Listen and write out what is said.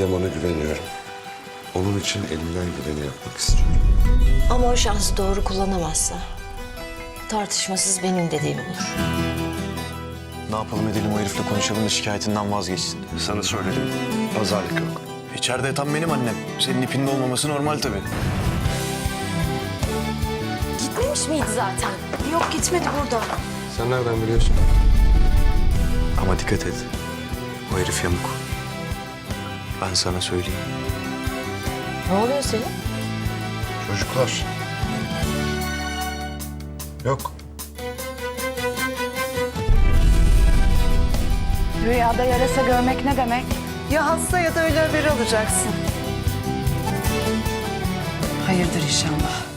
Yaman'a güveniyorum. Onun için elimden geleni yapmak istiyorum. Ama o şansı doğru kullanamazsa tartışmasız benim dediğim olur. Ne yapalım edelim, o herifle konuşalım da şikayetinden vazgeçsin. Sana söyledim. Pazarlık yok. İçeride tam benim annem. Senin ipinde olmaması normal tabii. Gitmemiş miydi zaten? Yok, gitmedi burada. Sen nereden biliyorsun? Ama dikkat et. O herif yamuk. Ben sana söyleyeyim. Ne oluyor senin? Çocuklar. Yok. Rüyada yarasa görmek ne demek? Ya hasta ya da ölü haberi alacaksın. Hayırdır inşallah.